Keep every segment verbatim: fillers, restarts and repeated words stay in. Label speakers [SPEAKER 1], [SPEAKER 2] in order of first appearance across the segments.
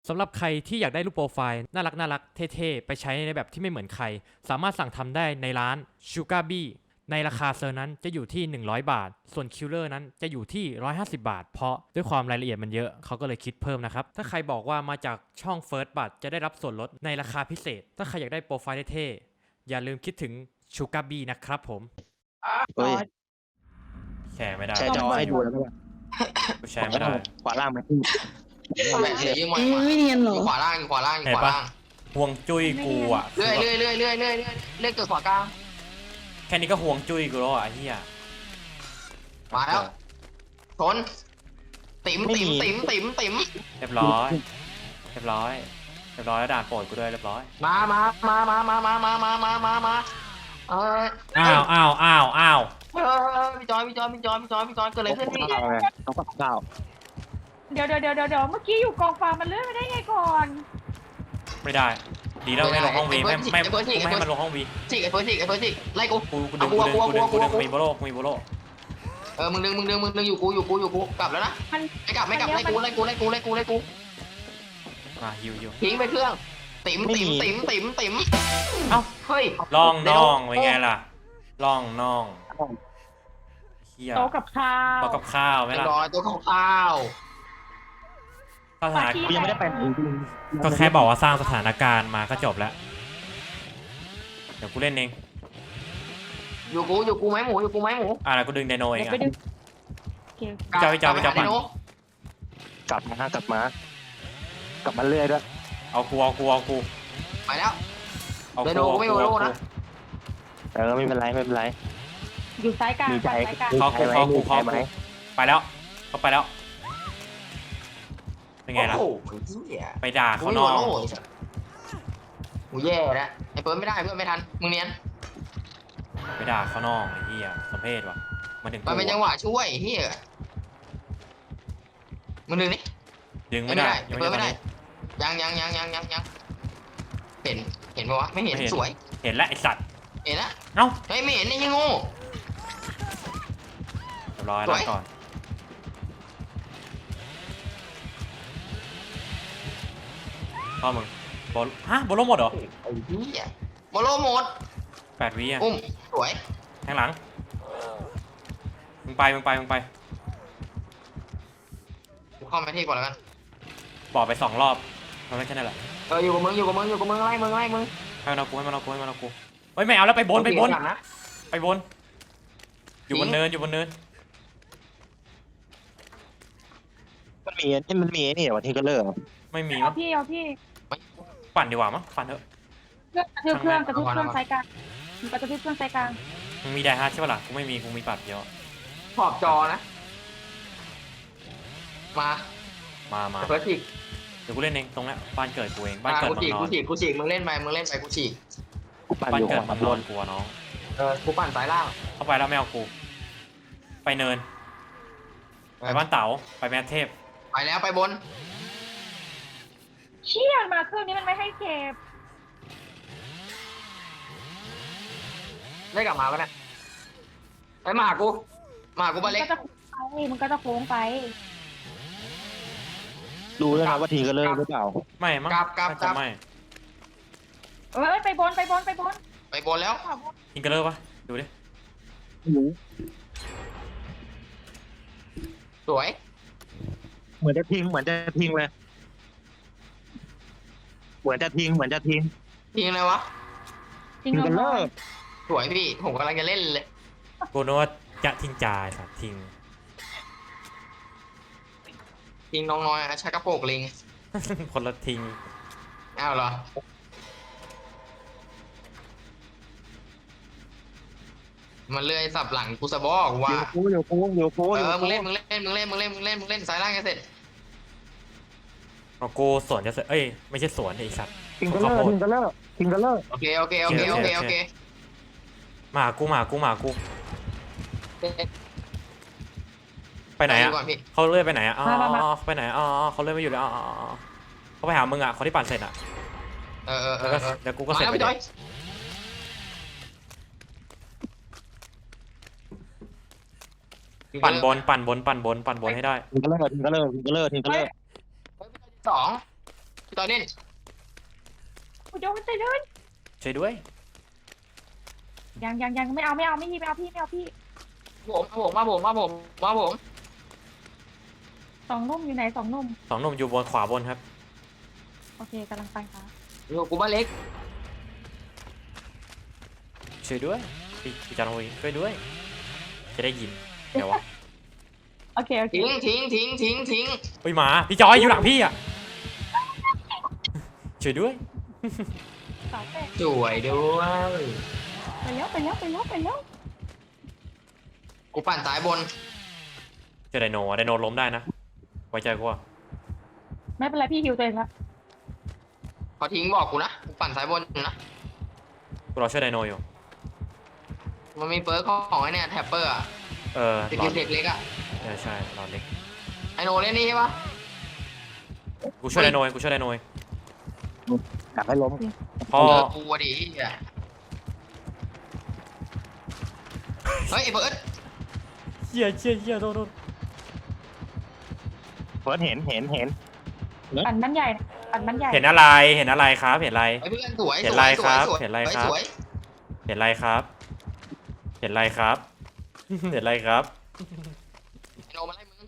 [SPEAKER 1] สำหรับใครที่อยากได้รูปโปรไฟล์น่ารักน่ารักเท่ๆไปใช้ในแบบที่ไม่เหมือนใครสามารถสั่งทำได้ในร้าน Sugar Bee ในราคาเซอร์นั้นจะอยู่ที่หนึ่งร้อยบาทส่วนคิลเลอร์นั้นจะอยู่ที่หนึ่งร้อยห้าสิบบาทเพราะด้วยความรายละเอียดมันเยอะเขาก็เลยคิดเพิ่มนะครับถ้าใครบอกว่ามาจากช่อง First บัตจะได้รับส่วนลดในราคาพิเศษถ้าใครอยากได้โปรไฟล์เท่ๆอย่าลืมคิดถึง Sugar Bee นะครับผม
[SPEAKER 2] เฮ้ย
[SPEAKER 1] แชร์ไม่ได้
[SPEAKER 2] แชร์จอให้ดูแล้วก็
[SPEAKER 1] กูแชร์ไม่ได้
[SPEAKER 2] ขวาล่างมันขึ้น
[SPEAKER 3] แบะเลยยิ่งไว
[SPEAKER 4] มันไม่เนียนหร
[SPEAKER 3] อ
[SPEAKER 4] อยู่
[SPEAKER 3] ขวาล่างอยู่ขวาล่างอยู่
[SPEAKER 1] เห็น
[SPEAKER 3] ขวา
[SPEAKER 1] ปะ
[SPEAKER 3] ล่าง
[SPEAKER 1] ห่วงจุ้ยกูอ่ะ
[SPEAKER 3] เรื่อยเรื่อยเรื่อยเรื่อยเรื่อยเรื่อยเรื่อยเกิดขวากลาง
[SPEAKER 1] แค่นี้ก็ห่วงจุ้ยกูแล้วอ่ะไอ้เหี้ย
[SPEAKER 3] มาแล้วชนติ๋มติ๋มติ๋มติ๋มติ๋ม
[SPEAKER 1] เรียบร้อยเรียบร้อยเรียบร้อยแล้วด่านโปรดกูด้วยเรียบร้อย
[SPEAKER 3] มามามามามามามามามามามาเออ
[SPEAKER 1] อ้าวอ้าวอ้าวอ้าว
[SPEAKER 3] เออพี่จอยพี่จอยพี่จอยพี่จอยพี่จอยเกิดอะไรขึ้นพี่
[SPEAKER 2] ข้าวไงเขาปักข้าว
[SPEAKER 4] เดี๋ยวเดี๋ยวเดี๋ยวเดี๋ยวเมื่อกี้อยู่กองฟางมันเลื่อนไปได้ไงก่อน
[SPEAKER 1] ไม่ได้ ดีแล้วไม่ลงห้องวีไม่ไม่ไม่ให้มันลงห้องวี
[SPEAKER 3] ฉีกไอ้เฟิร์สฉีกไอ้เฟิร์สฉีกไล่กู
[SPEAKER 1] กูกูดึงกูดึงกูดึงกูดึงมีโบโลมีโบโล
[SPEAKER 3] เออมึงดึงมึงดึงมึงดึงอยู่กูอยู่กูอยู่กูกลับแล้วนะ
[SPEAKER 4] มัน
[SPEAKER 3] ไม่กลับไม่กลับไล่กูไล่กูไล่กูไล่กูไล่กู
[SPEAKER 1] มาฮิวฮิว
[SPEAKER 3] ทิ้งไปเครื่องติ๋มติ๋มติ๋มติ๋มติ๋ม
[SPEAKER 1] เอ้า
[SPEAKER 3] เฮ้ย
[SPEAKER 1] ล่องน่องเป็นไงล่ะล่องน่องเฮีย
[SPEAKER 4] โตะกับข้าว
[SPEAKER 1] ต่อกับข้าวไหม
[SPEAKER 3] ไม่
[SPEAKER 1] ล่ะ
[SPEAKER 3] รอตัวของข้าว
[SPEAKER 1] สถาน
[SPEAKER 2] กูยังไม่ได้ไปไหนจริง
[SPEAKER 1] ก็แค่บอกว่าสร้างสถานการณ์มาก็จบแล้วเดี๋ยวกูเล่นเอง
[SPEAKER 3] อยู่กูอยู่กูไหมหมูอยู่กูไหมหมู
[SPEAKER 1] อ่ะแล้วกูดึงไดโนเอง
[SPEAKER 4] เดี๋ยวไป
[SPEAKER 1] อ่ะ
[SPEAKER 4] ดูโอเค
[SPEAKER 1] เจ้าพี่เจ้าพี่เจ้า
[SPEAKER 3] กลับไปหไดโน
[SPEAKER 2] กลับมาฮะกลับมา กลับมาเรื่อยด้วย
[SPEAKER 1] เอากูเอากูเอากู
[SPEAKER 3] ไปแล้ว
[SPEAKER 1] เอา
[SPEAKER 3] ไดโน
[SPEAKER 1] กู
[SPEAKER 3] กูไม่โอโลนะ
[SPEAKER 2] เออไม่เป็นไรไม่เป็นไร
[SPEAKER 4] อยู่ซ้ายกลาง
[SPEAKER 2] มีใจ
[SPEAKER 4] ซ้ายกลาง
[SPEAKER 1] เขากูเขากู
[SPEAKER 2] มี
[SPEAKER 1] เขา
[SPEAKER 2] ใจไหม
[SPEAKER 1] กูไปแล้วเขาไปแล้วเป็นไงล่ะ
[SPEAKER 3] โอ้โหเหี้ย
[SPEAKER 1] ไปด่า
[SPEAKER 3] กู
[SPEAKER 1] เขา
[SPEAKER 3] ไม่
[SPEAKER 1] น
[SPEAKER 3] โอ
[SPEAKER 1] อก
[SPEAKER 3] โลไอ้สัสกูแย่แล้วไอ้เฟิร์นไม่ได้เพื่อนไม่ทันมึงเนียน
[SPEAKER 1] ไปด่าเขานอกไอ้เหี้ยสมเพศว่ะมาถึง
[SPEAKER 3] มันเป็นจังหวะช่วยเฮียมึงดึงนี่
[SPEAKER 1] ดึง
[SPEAKER 3] ไม่
[SPEAKER 1] ไม่
[SPEAKER 3] ได้
[SPEAKER 1] ได้
[SPEAKER 3] ไอ้เฟิร์นไม่ได้ยังยังยังยังยังยังเห็นเห็นปะวะไม่เห็นสวย
[SPEAKER 1] เห็นแล้วไอสัตว์
[SPEAKER 3] เห็นนะ
[SPEAKER 1] เอ้า
[SPEAKER 3] เฮ้ยไม่เห็นนี่ยังโง่
[SPEAKER 1] เรียบร้อย
[SPEAKER 3] ส
[SPEAKER 1] แล้ว
[SPEAKER 3] วย
[SPEAKER 1] ก่อนพ่อมึงบอลฮะบอลลงหมดเหรอ
[SPEAKER 3] ไอ้เฮียโมโลหมด
[SPEAKER 1] แปดวิอ่ะ
[SPEAKER 3] อุ้มสวย
[SPEAKER 1] แทงหลังมึงไปมึงไปมึงไป
[SPEAKER 3] กูเข้ามาที่ก่อนแล้วกัน
[SPEAKER 1] บอกไปสองรอบทำได้แค่นั้นแหละ
[SPEAKER 3] เอออยู่กับมึงอยู่กับมึงอยู่กับมึงไล่มึงไล่มึง
[SPEAKER 1] ให้มันเอากูให้มันเอากูให้มันเอากูเฮ้ยไม่เอาแล้วไปบนไปบน
[SPEAKER 3] กลันะ
[SPEAKER 1] ไปบน อยู่บนเนินอยู่บนเนิน
[SPEAKER 2] มันมีนี่มันมีนี่เหรอวันที่ก็เลิก
[SPEAKER 1] ไม่มี
[SPEAKER 4] เอา
[SPEAKER 1] มั้ง
[SPEAKER 4] พี่เอาพี่
[SPEAKER 1] ปั่นดีกว่ามั้งปั่นเถอะ
[SPEAKER 4] เครื่องกระทืบเครื่องกระทืบเครื่องซ้ายกลางมันกระทืบเครื่องซ้ายกลาง
[SPEAKER 1] มึงมีไดฮาร์ดใช่ปะล่ะกูไม่มีกูมีปัดเดียว
[SPEAKER 3] ขอบจอนะ มา
[SPEAKER 1] มามา
[SPEAKER 3] เฟิร์สฉีก
[SPEAKER 1] เดี๋ยวกูเล่นเองตรงนี้บ้านเกิดกูเองบ้าน
[SPEAKER 3] อ่ะ
[SPEAKER 1] เกิด
[SPEAKER 3] กู
[SPEAKER 1] เมือ
[SPEAKER 3] ฉีก
[SPEAKER 1] งนอ
[SPEAKER 3] กู
[SPEAKER 1] น
[SPEAKER 3] ฉีกกูฉีกมึงเล่นไปมึงเล่นไปกูฉีก
[SPEAKER 2] กูปั่น
[SPEAKER 1] บ้า
[SPEAKER 2] อน ยู่
[SPEAKER 1] เกิ
[SPEAKER 2] ข
[SPEAKER 1] ด
[SPEAKER 2] วา
[SPEAKER 1] เมืองน
[SPEAKER 2] บ
[SPEAKER 1] อน
[SPEAKER 2] น
[SPEAKER 1] กูอะน้อง
[SPEAKER 3] เออกูปั่นสายล่าง
[SPEAKER 1] เข้าไปแล้วไม่เอากู ไปเนิน ไปบ้านเต๋าไปแมทเทพ
[SPEAKER 3] ไปแล้วไปบน
[SPEAKER 4] เชี่ยมาเครื่องนี้มันไม่ให้เก็บ
[SPEAKER 3] ได้กลับมาปะเนี่ยไปมาหากูมาหากู
[SPEAKER 4] มั
[SPEAKER 3] บ้าน นเล็ก
[SPEAKER 4] ก็จะโค้งไปมันก็จะโค้งไป
[SPEAKER 2] ดูด้วยนะว่าทีก็เลิกหรือเปล่า
[SPEAKER 1] ไม่มั้ง
[SPEAKER 3] กลับกลับ
[SPEAKER 1] น่าก
[SPEAKER 3] ลั
[SPEAKER 1] จะ
[SPEAKER 3] บ
[SPEAKER 1] ไม่
[SPEAKER 4] เอ้ยไปบนไปบนไปบน
[SPEAKER 3] ไปบนแล้ว
[SPEAKER 1] อิงเกอร์เลอร์ปะดูดิ
[SPEAKER 3] สวย
[SPEAKER 2] เหมือนจะทิ้งเหมือนจะทิ้งเลย เหมือนจะทิ้งเหมือนจะทิ้ง
[SPEAKER 3] ทีมอะไรวะ
[SPEAKER 4] จริง
[SPEAKER 2] ทีก็
[SPEAKER 4] เหร
[SPEAKER 2] เลิ
[SPEAKER 4] อก
[SPEAKER 3] สวยพี่ผมกำลังจะเล่นเลย
[SPEAKER 1] กูนึกว่าจะทิ้งจ่ายสัตว์ทิ้ง
[SPEAKER 3] ทีมน้องน้อยอะชักกระโปงลิง
[SPEAKER 1] คนละทิ้ง
[SPEAKER 3] อ้าวเหรอมันเลื่อยสับหลังกูสะบอก
[SPEAKER 2] อ
[SPEAKER 3] ว่า
[SPEAKER 2] ยู่กูอยู่กูอยู่กู
[SPEAKER 3] เอ
[SPEAKER 2] อยู่
[SPEAKER 3] อมึ
[SPEAKER 2] กู
[SPEAKER 3] งเล่นมึงเล่นมึงเล่นมึงเล่นมึงเล่นมึงเล่นสายล่างให้เสร็จ
[SPEAKER 1] เอากูสวนจะเสร็จเอ้ยไม่ใช่สวนไอ้สัตว์
[SPEAKER 2] ทิ้งก็เลิกทิ้งก็เลิกทิ้งก็เลิก
[SPEAKER 3] โอเคโอเคโอเคโอเคโอเค
[SPEAKER 1] มาหากูมาหากูมาหากูไปไหน
[SPEAKER 3] ป
[SPEAKER 1] อะ
[SPEAKER 3] ก่อนพี่
[SPEAKER 1] เขาเลื่อนไปไหนอะอ๋อไปไหนอ๋อเขาเลื่อนไม่อยู่เลยอ๋อเขาไปหามึงอะเขาที่ปั่นเสร็จอะ
[SPEAKER 3] เออเออเอ
[SPEAKER 1] แล้ว
[SPEAKER 3] อ
[SPEAKER 1] ก็
[SPEAKER 3] เออ
[SPEAKER 1] เดี๋ยวกูก็
[SPEAKER 3] มา
[SPEAKER 1] เสร็จ
[SPEAKER 3] แล้ว
[SPEAKER 1] ไป
[SPEAKER 3] พี่จอย
[SPEAKER 1] ปั่นบนปั่นบนปั่นบนปั่นบนให้ได้
[SPEAKER 2] ทิ้งก็เลิกทิ้งก็เลิกทิ้งก็เลิกทิ้งก็เลิก
[SPEAKER 3] สองพี่ต่อเล่น
[SPEAKER 4] กูโดนไปเลย
[SPEAKER 1] ช่วยด้วย
[SPEAKER 4] ยังยังยังไม่เอาไม่เอาไม่พี่ไม่เอาพี่ไม่เอาพี่
[SPEAKER 3] ผมมาผมมาผมมาผมมาผม
[SPEAKER 4] สองนุ่มอยู่ไหนสองนุ่ม
[SPEAKER 1] สองหนุ่มอยู่บนขวาบนครับ
[SPEAKER 4] โอเคกำลังไปค่ะ
[SPEAKER 3] อยู่กูบ้านเล็ก
[SPEAKER 1] ช่วยด้วยพี่พี่จอนวีช่วยด้วย จะได้ยินเดี๋ยววะ
[SPEAKER 4] โอเคโอเค
[SPEAKER 3] ทิ้งทิ้งทิ้งทิ้งทิ้ง
[SPEAKER 1] เฮ้ยหมาพี่จอยอยู่หลังพี่อ่ะช่วยด้วย
[SPEAKER 4] สาวเป็ด
[SPEAKER 3] สวยด้วย
[SPEAKER 4] ไปแล้วไปแล้วไปแล้วไปแล้ว
[SPEAKER 3] กูปั่นสายบน
[SPEAKER 1] เจอไดโนอะไดโนล้มได้นะไว้ใจกูอะ
[SPEAKER 4] ไม่เป็นไรพี่ฮิวตัวเองละ
[SPEAKER 3] เขาทิ้งบอกกูนะกูปั่นสายบนอยู่นะ
[SPEAKER 1] กูรอช่วยไดโนอยู่
[SPEAKER 3] มันมีเปิร์กของไอ้เนี่ยแท็ปเปอร์อะ
[SPEAKER 1] เออ
[SPEAKER 3] ส
[SPEAKER 1] ร
[SPEAKER 3] กิ
[SPEAKER 1] อ
[SPEAKER 3] ลเด็กเล็กอะ
[SPEAKER 1] เออใช่รอเล็ก
[SPEAKER 3] ไอโนเล่นนี่ใช่ปะ
[SPEAKER 1] กูช่วยไดโนเองกูช่วยไดโนเอง
[SPEAKER 2] อยากให้ล้ม
[SPEAKER 1] พอ
[SPEAKER 3] เจอกูอะดิเหี้ยเฮ้ยไอเบิร์ด
[SPEAKER 1] เหี้ยเหี้ยเหี้ยโดนโดน
[SPEAKER 2] เฟิร์สเห็นเห็นเห็น
[SPEAKER 4] ปั่นบ้านใหญ่นะปั่นบ้านใหญ่
[SPEAKER 1] เห็นอะไรเห็นอะไรครับเห็นอะไร
[SPEAKER 3] ไอเพื่อนสวย
[SPEAKER 1] เห็น
[SPEAKER 3] ส
[SPEAKER 1] ไร
[SPEAKER 3] วย
[SPEAKER 1] ครับ
[SPEAKER 3] สวย
[SPEAKER 1] เห็นไร
[SPEAKER 3] สวย
[SPEAKER 1] ครับ
[SPEAKER 3] สวย
[SPEAKER 1] เห็นอะไรครับ เห็นอะไรครับ เห็นอะไรครับ
[SPEAKER 3] ไอโนมาไล่มึง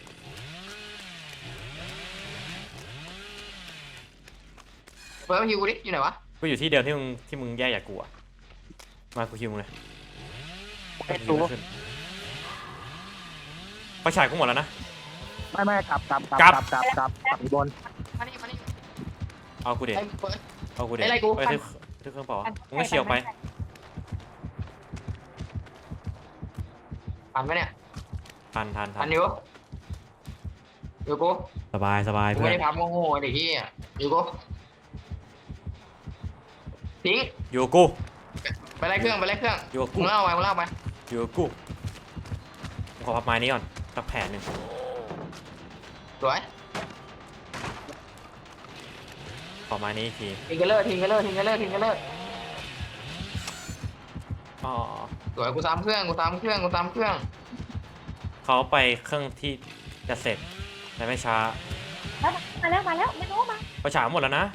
[SPEAKER 3] เบิร์ดมาฮิวกูดิอยู่ไหนวะ
[SPEAKER 1] กูอยู่ที่เดิมที่มึงที่มึงแยกจากกูอะมากูคิวมึงเลย
[SPEAKER 2] ไอ้ตัว
[SPEAKER 1] ขึ้นไฟฉายกูหมดแล้วนะ
[SPEAKER 2] ไม่ไม่กลับกลับก
[SPEAKER 1] กลั
[SPEAKER 2] ลับบ กลับกลับกลับอยู่บน
[SPEAKER 3] มานี่มานี่
[SPEAKER 1] เอากูเด็
[SPEAKER 3] ไอเบิร์ด
[SPEAKER 1] เอากูเด็
[SPEAKER 3] ไอ้ไรกู
[SPEAKER 1] ไปที่ที่เครื่องเปล่าวะมึงไม่เชียวไป
[SPEAKER 3] ปั่นไหมเนี่ย
[SPEAKER 1] ทันทันทั
[SPEAKER 3] ปั่
[SPEAKER 1] น
[SPEAKER 3] นอยู่อยู่กู
[SPEAKER 1] สบายสบาย
[SPEAKER 3] กู
[SPEAKER 1] เพื่
[SPEAKER 3] ไม่
[SPEAKER 1] อน
[SPEAKER 3] ได้พับโง่ๆเด็กที่อยู่กูทิ้ง
[SPEAKER 1] อยู่กับกู
[SPEAKER 3] ไปไล่เครื่องไปไล่เครื่อง
[SPEAKER 1] อยู่กับกู
[SPEAKER 3] มึงเล่าไปมึงเล่าไป
[SPEAKER 1] อยู่กับกูผมขอพับไม้นี้ก่อนสักแผ่นหนึ่ง
[SPEAKER 3] สวย
[SPEAKER 1] ขอไม้นี้อีกที
[SPEAKER 3] ทิ้งกันเลอร์ทิ้งกันเลอร์ทิ้งกันเลอร์ทิ้งกันเลอร์
[SPEAKER 1] อ๋อ
[SPEAKER 3] สวยกูตามเครื่องกูตามเครื่องกูตามเครื่อง
[SPEAKER 1] เขาไปเครื่องที่จะเสร็จแต่ไม่ช้า
[SPEAKER 4] แล้วมาแล้วมาแล้วไม่รู้มา
[SPEAKER 1] ไฟฉายหมดแล้วนะ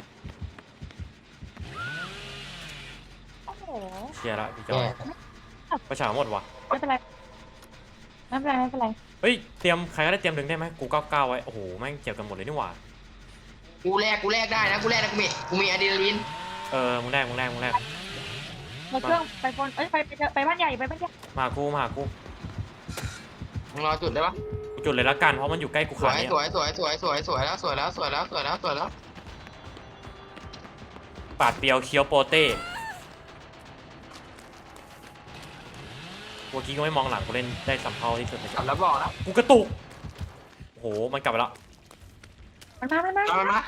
[SPEAKER 4] โอ้โห
[SPEAKER 1] เชียร์ละพี่จอยไฟฉายหมดว่ะ
[SPEAKER 4] ไม่เป็นไรไม่เป็นไรไม่เป็นไร
[SPEAKER 1] เฮ้ยเตรียมใครก็ได้เตรียมดึงได้ไหมกูก้าวก้าวไว้โอ้โหแม่งเจ็บกันหมดเลยนี่หว่า
[SPEAKER 3] กูแลกกูแลกได้นะกูแลกนะกูมีกูมีอะดรีนาลีน
[SPEAKER 1] เออมึงแรกมึงแรกมึงแรก
[SPEAKER 4] มาเครื่องไปบนเอ้ยไปไปเจอไปบ้านใหญ่ไปบ้านใหญ่
[SPEAKER 1] มากูมากู
[SPEAKER 3] มึงรอจุดได้ปะ
[SPEAKER 1] กูจุดเลยละกันเพราะมันอยู่ใกล้กู
[SPEAKER 3] ส
[SPEAKER 1] ขา
[SPEAKER 3] วย
[SPEAKER 1] ดนี้
[SPEAKER 3] สวยสวยสวยสวยสวยแล้วสวยแล้วสวยแล้วสวยแล้วสวยแล้ว
[SPEAKER 1] ปาดเปียวเคี้ยวโปเต้เมื่อกี้ก็ไม่มองหลังกูเล่นได้สัมเพาที่สุดใน
[SPEAKER 3] กลับแล้วบอกนะ
[SPEAKER 1] กูกระตุกโอ้โหมันกลับไปแล้ว
[SPEAKER 4] มันมามันมา
[SPEAKER 3] เอามันมา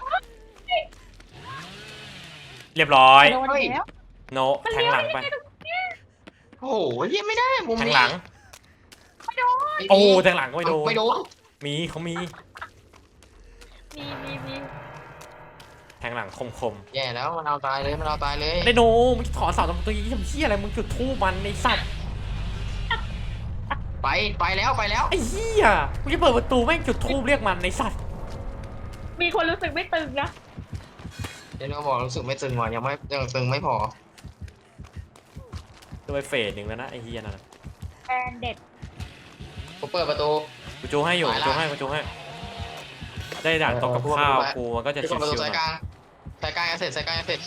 [SPEAKER 1] เรียบร้อย
[SPEAKER 4] โดนแล้ว
[SPEAKER 1] โนแทงหลังไป
[SPEAKER 3] โอ้โหเฮียไม่ได้มุม
[SPEAKER 1] แทง
[SPEAKER 3] นี้
[SPEAKER 1] หลัง
[SPEAKER 4] ไม่โดน
[SPEAKER 1] โอ้แทงหลังก็ไม่โดน
[SPEAKER 3] ไม่โดน
[SPEAKER 1] มีเขามี
[SPEAKER 4] มีมีมี
[SPEAKER 1] แทงหลังคมคม
[SPEAKER 3] แย่แล้วมันเอาตายเลยมันเอาตายเลย
[SPEAKER 1] ไดโนมึงถอนเสาตรงนี้ทำเชี่ยอะไรมึงจุดทูบมันในสัตว์
[SPEAKER 3] ไปไปแล้วไปแล้ว
[SPEAKER 1] ไอ้เหี้ยมึงจะเปิดประตูแม่งจุดทูบเรียกมันในสัตว์
[SPEAKER 4] มีคนรู้สึกไม่ตึงนะ
[SPEAKER 3] เดี๋ยวเราบอกรู้สึกไม่ตึงว่ะยังไม่ยังตึงไม่พอ
[SPEAKER 1] โดยเฟสหนึ่งแล้วนะไอ้เหี้ยนั่นนะ
[SPEAKER 4] แฟนเด็ด
[SPEAKER 3] กูเปิดประตู
[SPEAKER 1] กูจูให้อยู่
[SPEAKER 3] ไป
[SPEAKER 1] กู
[SPEAKER 3] ละ
[SPEAKER 1] จูให้กูจูให้ได้ด่านตกกับ
[SPEAKER 3] เออ
[SPEAKER 1] ข้าว
[SPEAKER 3] ไป
[SPEAKER 1] กูมันก็จะ
[SPEAKER 3] ที่
[SPEAKER 1] ชิ
[SPEAKER 3] ประตู
[SPEAKER 1] วๆห
[SPEAKER 3] สาย
[SPEAKER 1] น่อย
[SPEAKER 3] กลางสายกลางเสร็จสายกลางเสร็จ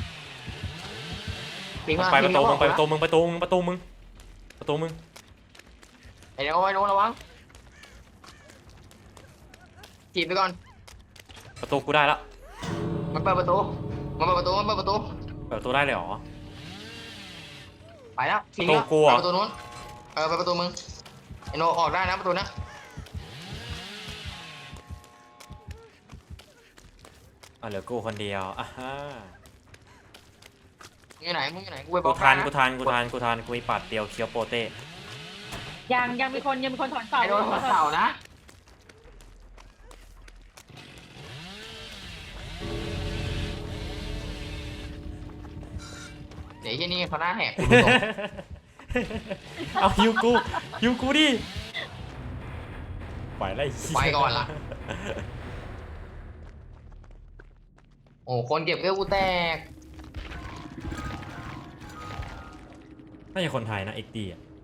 [SPEAKER 3] ทิ้งมา
[SPEAKER 1] ไปประตู
[SPEAKER 3] ทิ้
[SPEAKER 1] มึ
[SPEAKER 3] ง
[SPEAKER 1] งไปประตูมึงประตูมึงประตูมึงประตูมึง
[SPEAKER 3] ไอ้เดี๋ยวไอ้โน้นระวังจีบไปก่อน
[SPEAKER 1] ประตูกูได้ละ
[SPEAKER 3] มันเปิดประตูมันเปิดประตูมันเปิดประตู
[SPEAKER 1] เปิดประตูได้เลยเหรอ
[SPEAKER 3] ไปแล้วทิ้ง
[SPEAKER 1] ประตู
[SPEAKER 3] แล้ว
[SPEAKER 1] กูเหรอ
[SPEAKER 3] ไปประตูนู้นเออไปประตูมึงไอ้โนออกได้นะประตูนะ
[SPEAKER 1] อ่ะเหลือกูคนเดียวอ่ะฮะ
[SPEAKER 3] มึงอยู่ไหนมึงอยู่ไหนกูไปบ
[SPEAKER 1] กู
[SPEAKER 3] อก
[SPEAKER 1] ทัน
[SPEAKER 3] นะ
[SPEAKER 1] กูทันกูทันกูทันกูมีปัดเดียวเคี้ยวโปเต้
[SPEAKER 4] ยังยังมีคนยังมีคนถอนเสา
[SPEAKER 3] ไอ้โนหัวเสานะเดี๋ยวที่นี่เขาหน้าแหกคุณผู้ชม
[SPEAKER 1] เอาฮิวกูฮิวกูดิไปไล่
[SPEAKER 3] ไปก่อนล่ะโอ้คนเก็บเวลกูแตก
[SPEAKER 1] น่าจะคนไทยนะเอ็กดีอ่ะ